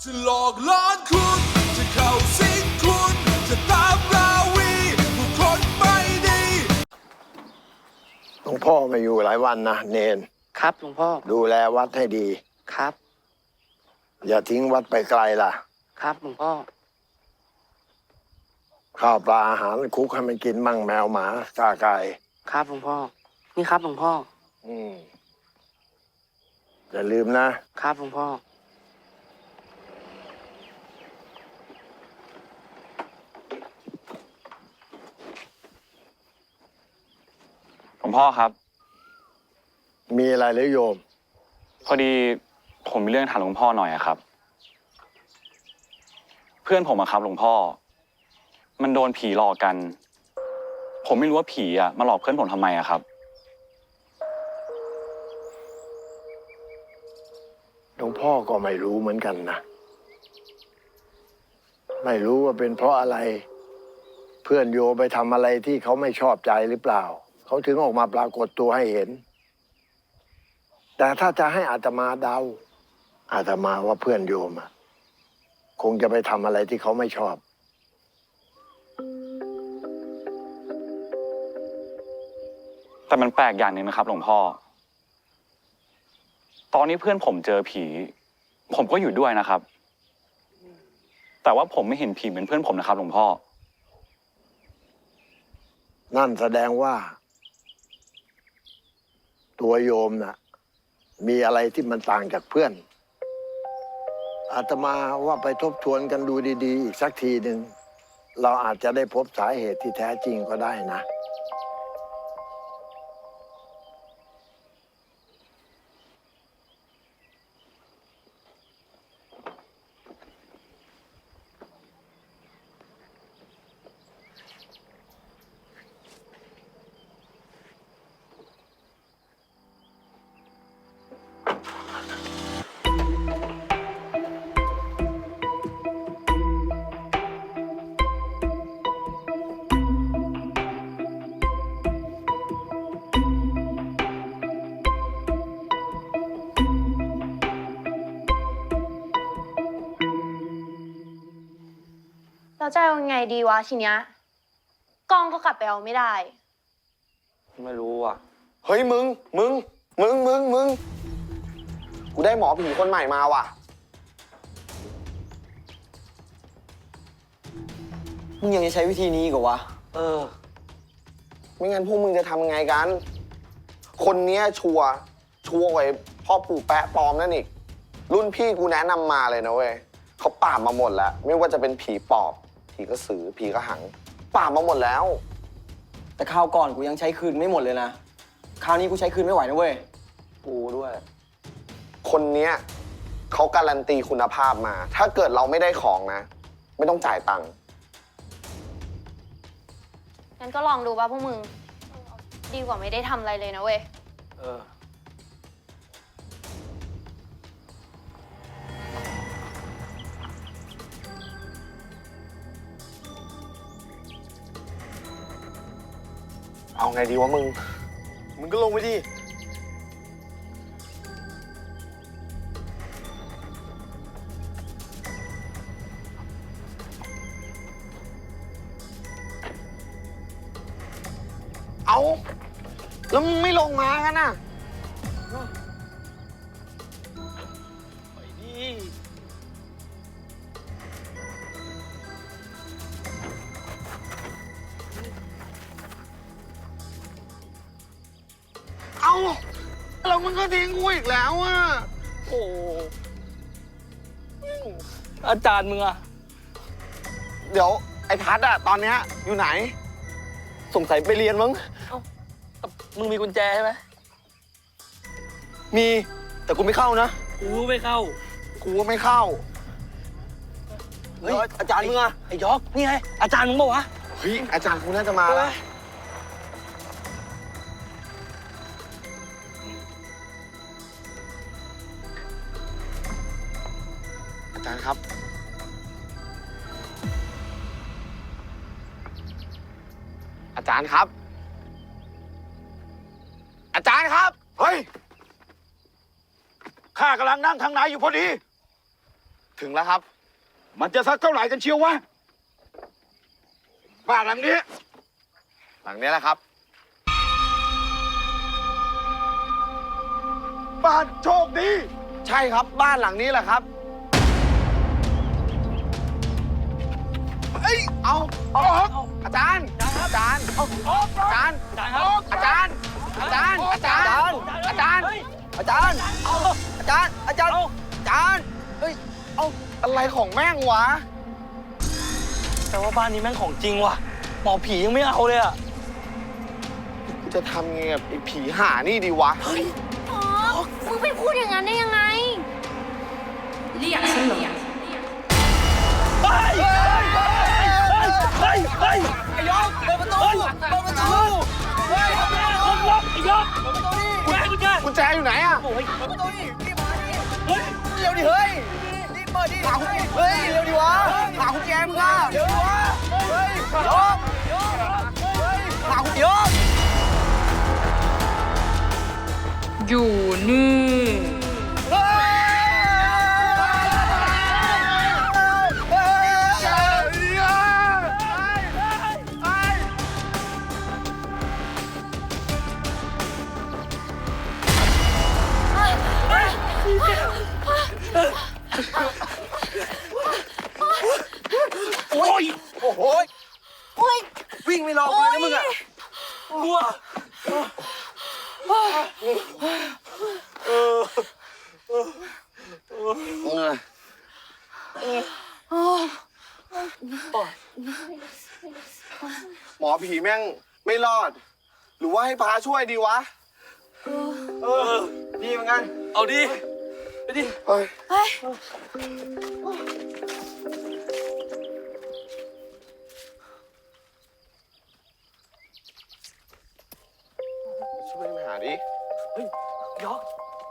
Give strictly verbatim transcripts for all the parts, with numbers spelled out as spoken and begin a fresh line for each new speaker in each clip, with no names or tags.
จะหลอกล้อนคุณจะเข้าสิงคุณจะตามราวีผู้คนไม่ดี
หลวงพ่อมาอยู่หลายวันนะเนน
ครับหลวงพ่อ
ดูแลวัดให้ดี
ครับ
อย่าทิ้งวัดไปไกลล่ะ
ครับหลวงพ่อ
ข้าวปลาอาหารคุกให้มันกินมั่งแมวหมากาไก่
ครับหลวงพ่อนี่ครับหลวงพ่อ
อืมอย่าลืมนะครับ
หลวงพ่อ
หลวงพ่อครับ
มีอะไรหรือโยม
พอดีผมมีเรื่องถามหลวงพ่อหน่อยอะครับเพื่อนผมอะครับหลวงพ่อมันโดนผีหลอกกันผมไม่รู้ว่าผีอะมาหลอกเพื่อนผมทำไมอะครับ
หลวงพ่อก็ไม่รู้เหมือนกันนะไม่รู้ว่าเป็นเพราะอะไรเพื่อนโยไปทำอะไรที่เขาไม่ชอบใจหรือเปล่าเขาถึงออกมาปรากฏตัวให้เห็นแต่ถ้าจะให้อาตมาเดาอาตมาว่าเพื่อนโยมอะคงจะไปทำอะไรที่เขาไม่ชอบ
แต่มันแปลกอย่างหนึ่งนะครับหลวงพ่อตอนนี้เพื่อนผมเจอผีผมก็อยู่ด้วยนะครับแต่ว่าผมไม่เห็นผีเหมือนเพื่อนผมนะครับหลวงพ่อ
นั่นแสดงว่าตัวโยมน่ะมีอะไรที่มันต่างจากเพื่อนอาตมาว่าไปทบทวนกันดูดีๆอีกสักทีหนึ่งเราอาจจะได้พบสาเหตุที่แท้จริงก็ได้นะ
เราจะเอายังไงดีวะทีเนี้ยกล้องก็กลับไปเอาไม่ได้
ไม่รู้อ่ะเฮ้ยมึงมึงมึงมึงมึงกูได้หมอผีคนใหม่มาว่ะ
มึงยังจะใช้วิธีนี้อีกเหรอวะ
เออไม่งั้นพวกมึงจะทำยังไงกันคนเนี้ยชัวร์ชัวร์กว่าพ่อปู่แปะปลอมนั่นอีกรุ่นพี่กูแนะนำมาเลยนะเว้ยเขาปราบมาหมดแล้วไม่ว่าจะเป็นผีปอบผีกระสือผีกระหังปราบมาหมดแล้ว
แต่คราวก่อนกูยังใช้คืนไม่หมดเลยนะคราวนี้กูใช้คืนไม่ไหวนะเว้ย
กูด้วยคนเนี้ยเขาการันตีคุณภาพมาถ้าเกิดเราไม่ได้ของนะไม่ต้องจ่ายตังค์
งั้นก็ลองดูป่ะพวกมึงดีกว่าไม่ได้ทำอะไรเลยนะเว้ย
เออเอาไงดีวะมึง มึงก็ลงไปดิ เอาแล้วมึงไม่ลงมากันน่ะไปดิเอาแล้วมึงก็ทิ้งกูอีกแล้วอ่ะโอ้
อาจารย์มึงอะ
เดี๋ยวไอ้ทัศน์อะตอนเนี้ยอยู่ไหนสงสัยไปเรียนมั้ง
เอ้ามึงมีกุญแจใช่ไหม
มีแต่กูไม่เข้านะ
กูไม่เข้า
กูก็ไม่เข้า
เฮ้ยอาจารย์มึงอะไอ้ยอกนี่ไงอาจารย์มึงบอกวะ
เฮ้ยอาจารย์กูน่าจะมาแล้วอาจารย์ครับอาจารย์ครับอาจารย์ครับเฮ้ย
ข้ากำลังนั่งทางไหนอยู่พอดี
ถึงแล้วครับ
มันจะสักเท่าไหร่กันเชียววะ บ้านหลังนี้
หลังนี้แหละครับ
บ้านโชคดี
ใช่ครับบ้านหลังนี้แหละครับเอ้ยเอาเอาเอาอาจารย์อาจารย์เอาอาจารย์อาจารย์อาจารย์อาจารย์อาจารย์อาจารย์เอาอาจารย์อาจารย์อาจารย์เฮ้ยเอาอะไรของแม่งวะ
แต่ว่าบ้านนี้แม่งของจริงว่ะหมอผียังไม่เอาเลยอ่ะ
กูจะทำไงกับไอ้ผีห่านี่ดีวะ
อ๋อ มึงไปพูดอย่างนั้นได้ยังไง
เรียกฉันเหรอ
เฮ้ย เฮ้ย เฮ้ย เฮ้ย ไอ้ยกเปิดประตูเปิดประตูเฮ้ยคนล็อกไอ้ยกเปิดประตูดิกุญแจกุญแจ
กุญแจอยู่ไหนอะ
โอ้ยเปิดประตูดิรีบมาดิเฮ้ยเร็วดิเฮ้ย รีบเปิดดิหากุญแจเฮ้ย เร็วดิวะหากุญแจมึงอ่ะเร็วดิวะเฮ้ยยกยกเฮ้ยหากุญแจยก
อยู่นี่
โอ้ย โอ้โห
โอ๊ย
วิ่งไม่รอกูเลยนะมึงอ่ะกลัว
หมอผีแม่งไม่รอด หรือว่าให้พาช่วยดีวะ เออ ดีเหมือนกัน
เอาดิ ไปดิ
เฮ้ย
เฮ้ย
ช่วยมาหาดิ
ยก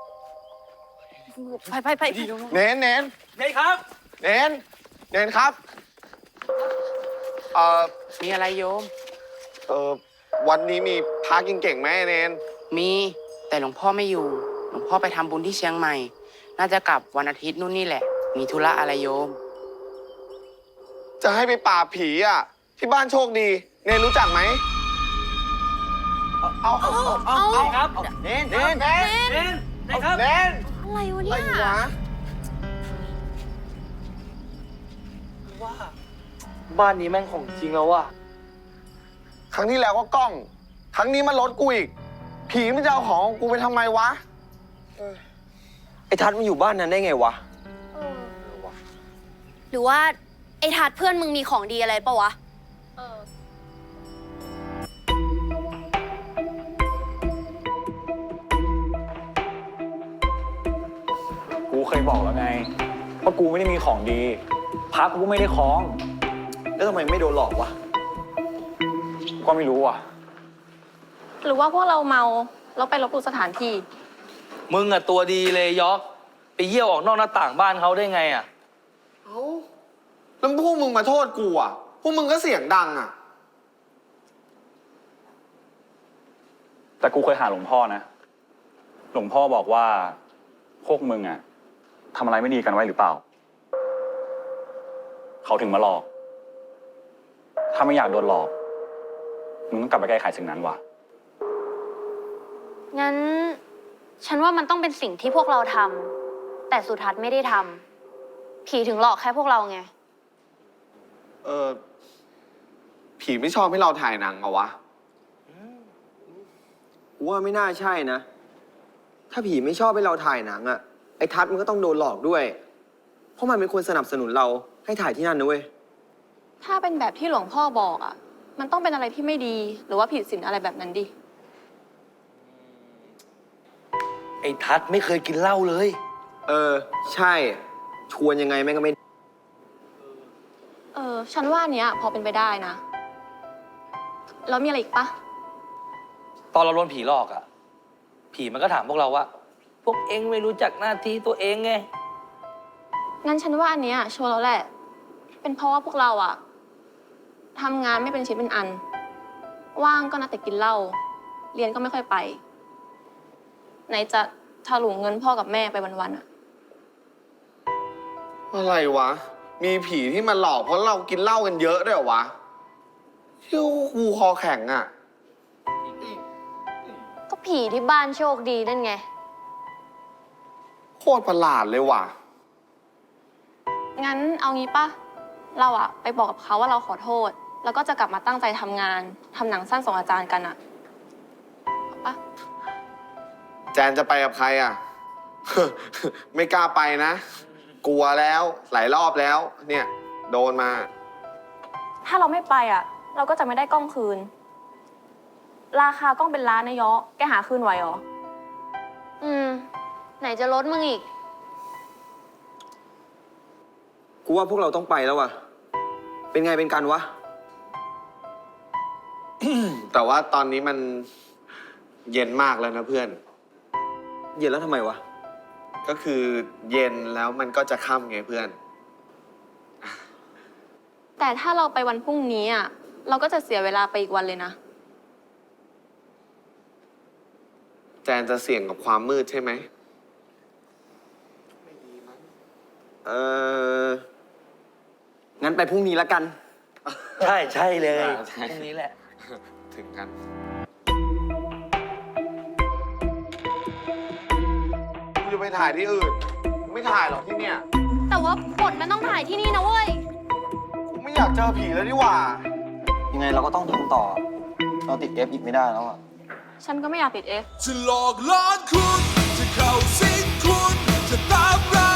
ไปไปไป
เน้นเน้น
เฮ้ยครับ
เน้นเน้นครับ เอ่อ
มีอะไรโยม
เอ่อ วันนี้มีพากินเก่งไหมเน้น
มีแต่หลวงพ่อไม่อยู่ หลวงพ่อไปทำบุญที่เชียงใหม่ น่าจะกลับวันอาทิตย์นู่นนี่แหละ มีธุระอะไรโยม
จะให้ไปปราบผีอ่ะ ที่บ้านโชคดี เน้นรู้จักไหม เอา เอา เอา
เอาครับ
เน้นเน้นเน้น
เน้นนะครับ
เน้น
อะไรวะ
อะไร
เนี่ย
วะ
ว่า บ้านนี้แม่งของจริงแล้วว่ะ
ครั้งที่แล้วก็กล้อง ครั้งนี้มันรถกูอีก ผีมันจะเอาของกูไปทำไมวะ
ไอ้ทัศน์มันอยู่บ้านนั้นได้ไงวะ
หรือว่า ไอ้ทัดเพื่อนมึงมีของดีอะไรปะวะ
กูเคยบอกแล้วไงว่ากูไม่ได้มีของดีพักกูไม่ได้คล้อง
แล้วทำไมไม่โดนหลอกวะ
ก็ไม่รู้อ่ะ
หรือว่าพวกเราเมาแล้วไปลบหลู่สถานที่
มึงอะตัวดีเลยยอก ไปเยี่ยวออกนอกหน้าต่างบ้านเขาได้ไงอะ
เอ้าแล้วพวกมึงมาโทษกูอ่ะ พวกมึงก็เสียงดังอ่ะ
แต่กูเคยหาหลวงพ่อนะ หลวงพ่อบอกว่าพวกมึงอ่ะทำอะไรไม่ดีกันไว้หรือเปล่า เขาถึงมาหลอก ถ้าไม่อยากโดนหลอก มึงต้องกลับไปแก้ไขสิ่งนั้นว่ะ
งั้น ฉันว่ามันต้องเป็นสิ่งที่พวกเราทำแต่สุทัศน์ไม่ได้ทำผีถึงหลอกแค่พวกเราไง
เออ ผีไม่ชอบให้เราถ่ายหนังเหรอวะ
กูว่าไม่น่าใช่นะ ถ้าผีไม่ชอบให้เราถ่ายหนังอะไอ้ทัศน์มันก็ต้องโดนหลอกด้วย เพราะมันเป็นคนสนับสนุนเราให้ถ่ายที่นั่นนะเว้ย
ถ้าเป็นแบบที่หลวงพ่อบอกอ่ะ มันต้องเป็นอะไรที่ไม่ดี หรือว่าผิดศีลอะไรแบบนั้นดิ
ไอ้ทัศน์ไม่เคยกินเหล้าเลย เออ ใช่ ชวนยังไงแม่งก็ไม่
เออ ฉันว่าอันเนี้ยพอเป็นไปได้นะ แล้วมีอะไรอีกปะ
ตอนเราโดนผีหลอกอะผีมันก็ถามพวกเราว่า พวกเองไม่รู้จักหน้าที่ตัวเองไง
งั้นฉันว่าอันเนี้ยชัวร์แล้วแหละ เป็นเพราะว่าพวกเราอะทำงานไม่เป็นชิ้นเป็นอัน ว่างก็นัดแต่กินเหล้า เรียนก็ไม่ค่อยไป ไหนจะถลุงเงินพ่อกับแม่ไปวันๆอะ
อะไรวะ มีผีที่มาหลอกเพราะเรากินเหล้ากันเยอะด้วยเหรอวะเที่ยวกูคอแข็งอ่ะ
ก็ผีที่บ้านโชคดีนั่นไง
โคตรประหลาดเลยว่ะ
งั้นเอางี้ปะเราอะไปบอกกับเขาว่าเราขอโทษ แล้วก็จะกลับมาตั้งใจทำงานทำหนังสั้นส่งอาจารย์กันอะเอาปะ
แจนจะไปกับใครอ่ะ ไม่กล้าไปนะ กลัวแล้วหลายรอบแล้ว เนี่ย โดนมา
ถ้าเราไม่ไปอะเราก็จะไม่ได้กล้องคืน ราคากล้องเป็นล้านนะยะแกหาคืนไหวเหรอ
อืม ไหนจะลดมึงอีก
กูว่าพวกเราต้องไปแล้วว่ะ เป็นไงเป็นกันวะ
แต่ว่าตอนนี้มันเย็นมากแล้วนะเพื่อน
เย็นแล้วทำไมวะ
ก็คือเย็นแล้วมันก็จะค่ำไงเพื่อน
แต่ถ้าเราไปวันพรุ่งนี้อะเราก็จะเสียเวลาไปอีกวันเลยนะ
แจนจะเสี่ยงกับความมืดใช่ไหม
เออ งั้นไปพรุ่งนี้ละกัน
ใช่ใช่เลย
ใช่
ตรงนี้แหละ
ถึงกัน กูจะไปถ่ายที่อื่นกูไม่ถ่ายหรอกที่เนี่ย
แต่ว่าบทมันต้องถ่ายที่นี่นะเว้ย
กูไม่อยากเจอผีแล้วนี่หว่า
ยังไงเราก็ต้องทำต่อ เราติดเอฟอีกไม่ได้แล้วอ่ะ
ฉันก็ไม่อยากติดเอฟ
จะหลอกล้อนคุณ จะเข้าสิงคุณ จะตามรา